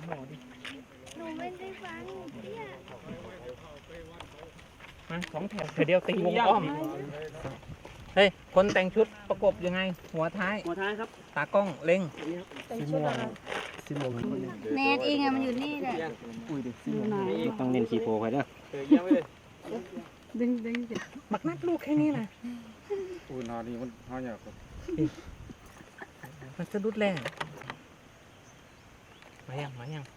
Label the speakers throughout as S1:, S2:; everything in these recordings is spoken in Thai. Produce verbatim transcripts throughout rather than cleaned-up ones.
S1: หมอดิ
S2: หนูไม่ได้ฟังเนี่ย
S1: มาสองแถวเดียวตีวงอ้อมเฮ้ยคนแต่งชุดประกบยังไงหัวท้าย
S3: หัวท้ายครับ
S1: ตากล้องเล็ง
S3: สีม่วงสีม่วง
S2: เนทเองอะมันอยู่นี่แหละ
S3: อุ้ยดิสีม่วงต้องเน้นขีโพไปเด้อ
S2: ดึงดึง
S1: บักนัดลูกแค่นี้นะ
S4: อุ้ยนานี่มันหายากครับ
S1: มันจะรุดแรงมายังมายัง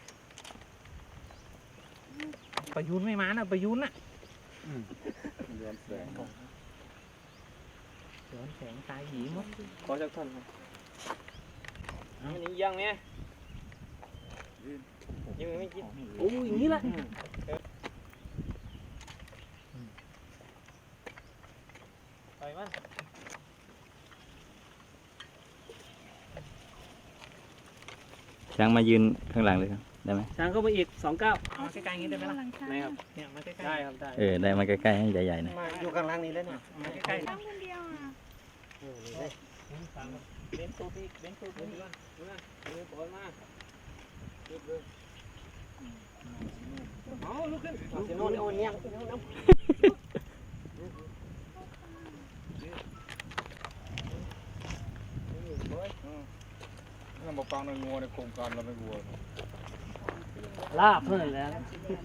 S1: ประยุนไม่มานะประยุนน่ะ
S4: ย้อนแสง
S1: ย้อนแสงตายหยีหมด
S3: ขอจักท่อนครับอันนี้ยังไงยังไม่กินโอ้ยอย่างนี้แหละไปมัน
S5: ช้างมายืนข้างหลังเลยครับได้ไหม
S3: ช้างเข้าไปอีกสองเก้า
S1: เอาใกล้ๆนี้ได้ไหมล่ะ
S3: ไม่ครับ
S1: เนี่ยมาใกล้ๆ
S3: ได้ครับได้
S5: เออได้มาใกล้ๆให้ใหญ่ๆหน่อย
S3: อยู่ข้างล่างนี้แล้วเนี่ย
S1: มาใกล้ๆ
S2: น้องคนเดียวอ่ะ
S3: เบนซูบีเบนซูบีมาเลยปล่อยมาเอาลุกขึ้นเสียงโน่นโอ้ยยัง
S4: ถ้ามาฟังในงัวในโครงการเราไม่งัว
S3: ลาบเพื่อนแล้ว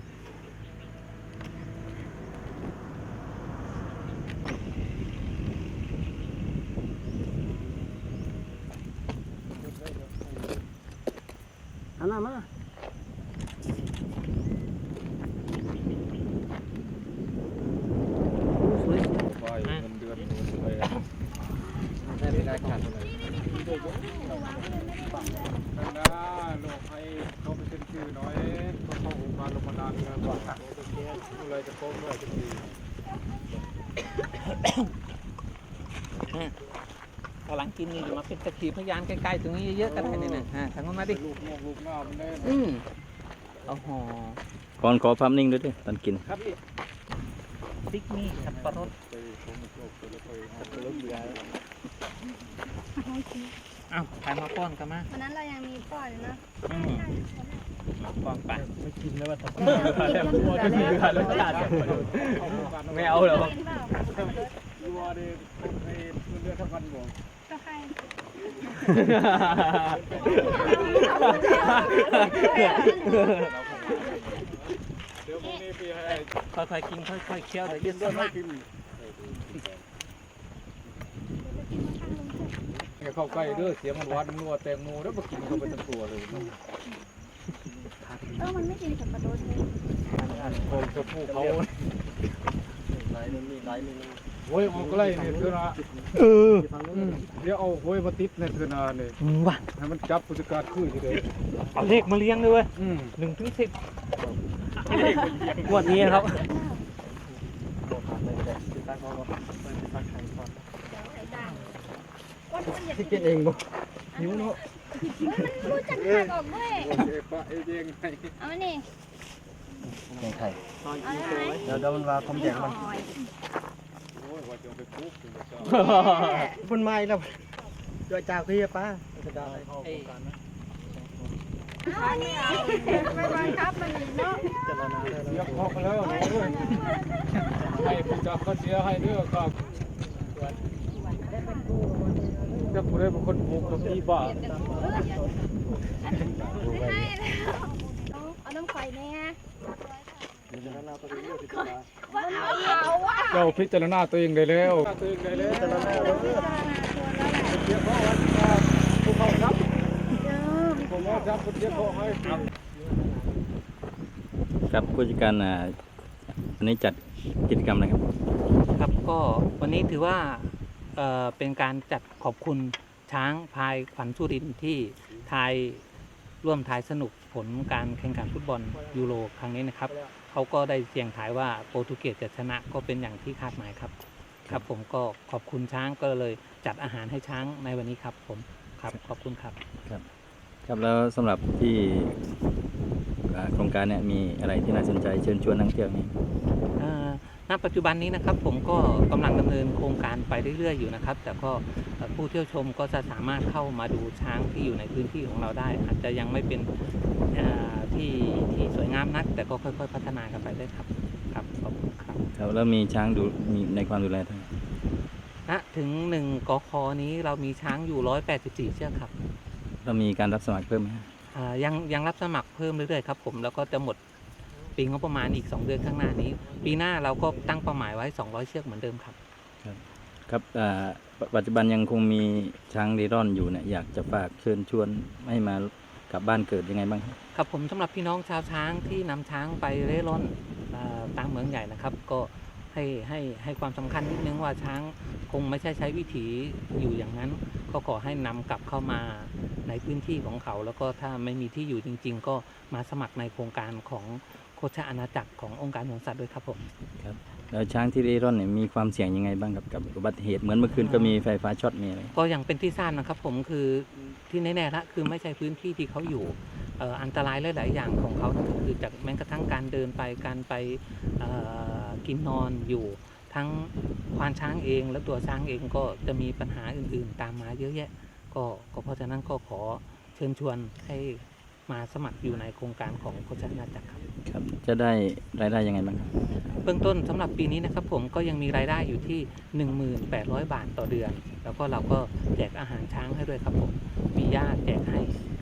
S3: อันนั้นมาสวย
S4: ไปเงินเดือนไปได้ไม่ได้ขาดเลยนั่นนะโลกให้เขาไปเซ็นชื่อหน่อยเขาเข้าโครงการลงมานานแล้วก่อนอะไรจะโค้งด้วยจะดี
S1: กำลังกินนี่อยู่มาเป็นตะขีพยานใกล้ๆตรงนี้เยอะๆกันได้เนี่ยนะฮะทางนู้นมาดิ
S4: ลูกนอกลูกหน้ามันแน่
S1: อืมเอาห่อ
S5: ก่อนขอภาพนิ่งด้วยดิตอนกิน
S3: ครับพี่
S1: พริกนี่สับปะรดอ้าวใครมาป้อนกันมา
S2: วันนั้นเรายังมีป้อนนะ
S1: อืมป้อนไป
S3: ไม่กินแล้วว่าทำ
S1: ไม่เอาหรอ
S4: วัวดิให้เลือดทั้งวันบ่
S2: ก็ใคร
S4: เดี๋ยวพรุ่งนี้พี่ให้
S1: ค่อยๆกินค่อยๆเคี้ยวแต่ยืดต้นมาก
S4: เข้าใกล้เด้อเสียงมันหวานนัวแตงโมแล้วมากินเข้าไปทั้งตัวเลย
S2: เออมันไม่กินสับปะรดเลย
S4: ผมจะพูดเขา
S3: ไหลนึงมีไหลนึง
S4: โอ้ยเอาใกล้เนี่ยเถอะนะ
S1: เออ
S4: เดี๋ยวเอาโอ้ยมาติดในเถอะนะเนี่ย
S1: ว่ะ
S4: ให้มันจับผู้จัดการคุยทีเดียว
S1: เอาเลขมาเลี้ยงด้วยเว้ยหนึ่งถึงสิบ
S3: งวดนี้ครับ
S2: ที่
S3: กินเองบ่
S4: หิวเนาะ
S2: มันรู้จักหักออกด้วย
S4: เอปะเอเองไง
S2: เอามานี่
S3: แกงไข่
S2: เดี๋ยว
S3: เดี๋ยวมันมาคมแดงมัน
S4: โอ้ยว่าจะไปปุ๊บ
S3: มันไม่แล้วจอยจากพี่ป้าจะได้
S2: เอานี่ไม่บังคับมันเนาะ
S3: จะรอนาน
S4: เสียพอแล้วให้ผู้จัดเขาเสียให้เด้อครับจะผู้ใดเป็นคนปลูกกับพี่บ้า
S2: เอาน้ำไข่แน่
S4: เจ้าพิจารณาตัวเองได้แล้วตัวเองได้แล้วเดี๋ยวพ่อวันผู้เขาครับผมว่าจะเดี๋ยวพ่อให้
S5: ครับผู้จัดการอันนี้จัดกิจกรรมอะไรครับ
S1: ครับก็วันนี้ถือว่าเอ่อเป็นการจัดขอบคุณช้างพายขวัญสุรินทร์ที่ทายร่วมทายสนุกผลการแข่งขันฟุตบอลยูโรครั้งนี้นะครับเขาก็ได้เสี่ยงทายว่าโปรตุเกสจะชนะก็เป็นอย่างที่คาดหมายครับครับผมก็ขอบคุณช้างก็เลยจัดอาหารให้ช้างในวันนี้ครับผมครับขอบคุณครับ
S5: ครับครับแล้วสำหรับที่โครงการเนี่ยมีอะไรที่น่าสนใจเชิญชวนนักเที่ยวนี่
S1: ณปัจจุบันนี้นะครับผมก็กำลังดำเนินโครงการไปเรื่อยๆอยู่นะครับแต่ก็ผู้เที่ยวชมก็จะสามารถเข้ามาดูช้างที่อยู่ในพื้นที่ของเราได้อาจจะยังไม่เป็นามนัก แต่ก็ค่อยๆพัฒนากันไปได้ครับครับขอบคุณครับ
S5: ครับแล้วมีช้างดูมีในความดูแลทั้ง
S1: ณถึงหนึ่งกคนี้เรามีช้างอยู่ร้อยแปดสิบสี่เชือกครับ
S5: เรามีการรับสมัครเพิ่มไหมฮะ
S1: อ่ายังยังรับสมัครเพิ่มเรื่อยๆครับผมแล้วก็จะหมดปีงบประมาณอีกสองเดือนข้างหน้านี้ ปีหน้าเราก็ตั้งเป้าหมายไว้สองร้อยเชือกเหมือนเดิมครับ
S5: ครับอ่าปปัจจุบันยังคงมีช้างเร่ร่อนอยู่เนี่ยอยากจะฝากเชิญชวนให้มากลับบ้านเกิดยังไงบ้างครับ
S1: ครับผมสำหรับพี่น้องชาวช้างที่นำช้างไปเร่ร่อนอ่าตามเมืองใหญ่นะครับ ก็ให้ให้ให้ความสำคัญนิดนึงว่าช้างคงไม่ใช่ใช้วิถีอยู่อย่างนั้น ก็ขอให้นำกลับเข้ามาในพื้นที่ของเขา แล้วก็ถ้าไม่มีที่อยู่จริง ๆ ก็มาสมัครในโครงการของโคชอาณาจักรขององค์การสวนสัตว์ด้วยครับผม
S5: แล้วช้างที่เร่ร่อนเนี่ยมีความเสี่ยงยังไงบ้างกับกับอุบัติเหตุเหมือนเมื่อคืนก็มีไฟฟ้าช็อตมีอะไร
S1: ก็อย่างเป็นที่ทราบนะครับผมคือที่แน่ๆละคือไม่ใช่พื้นที่ที่เขาอยู่เอ่ออันตรายหลายๆอย่างของเขานั่นก็คือจากแม้กระทั่งการเดินไปการไปเอ่อกินนอนอยู่ทั้งควานช้างเองและตัวช้างเองก็จะมีปัญหาอื่นๆ ตามมาเยอะแยะก็ก็เพราะฉะนั้นก็ขอเชิญชวนให้มาสมัครอยู่ในโครงการของโคชอาณาจักรครับ
S5: ครับจะได้รายได้ยังไงบ้างครับ
S1: เบื้องต้นสำหรับปีนี้นะครับผมก็ยังมีรายได้อยู่ที่ หนึ่งหมื่นแปดร้อย บาทต่อเดือน แล้วก็เราก็แจกอาหารช้างให้ด้วยครับผมมีหญ้าแจกให้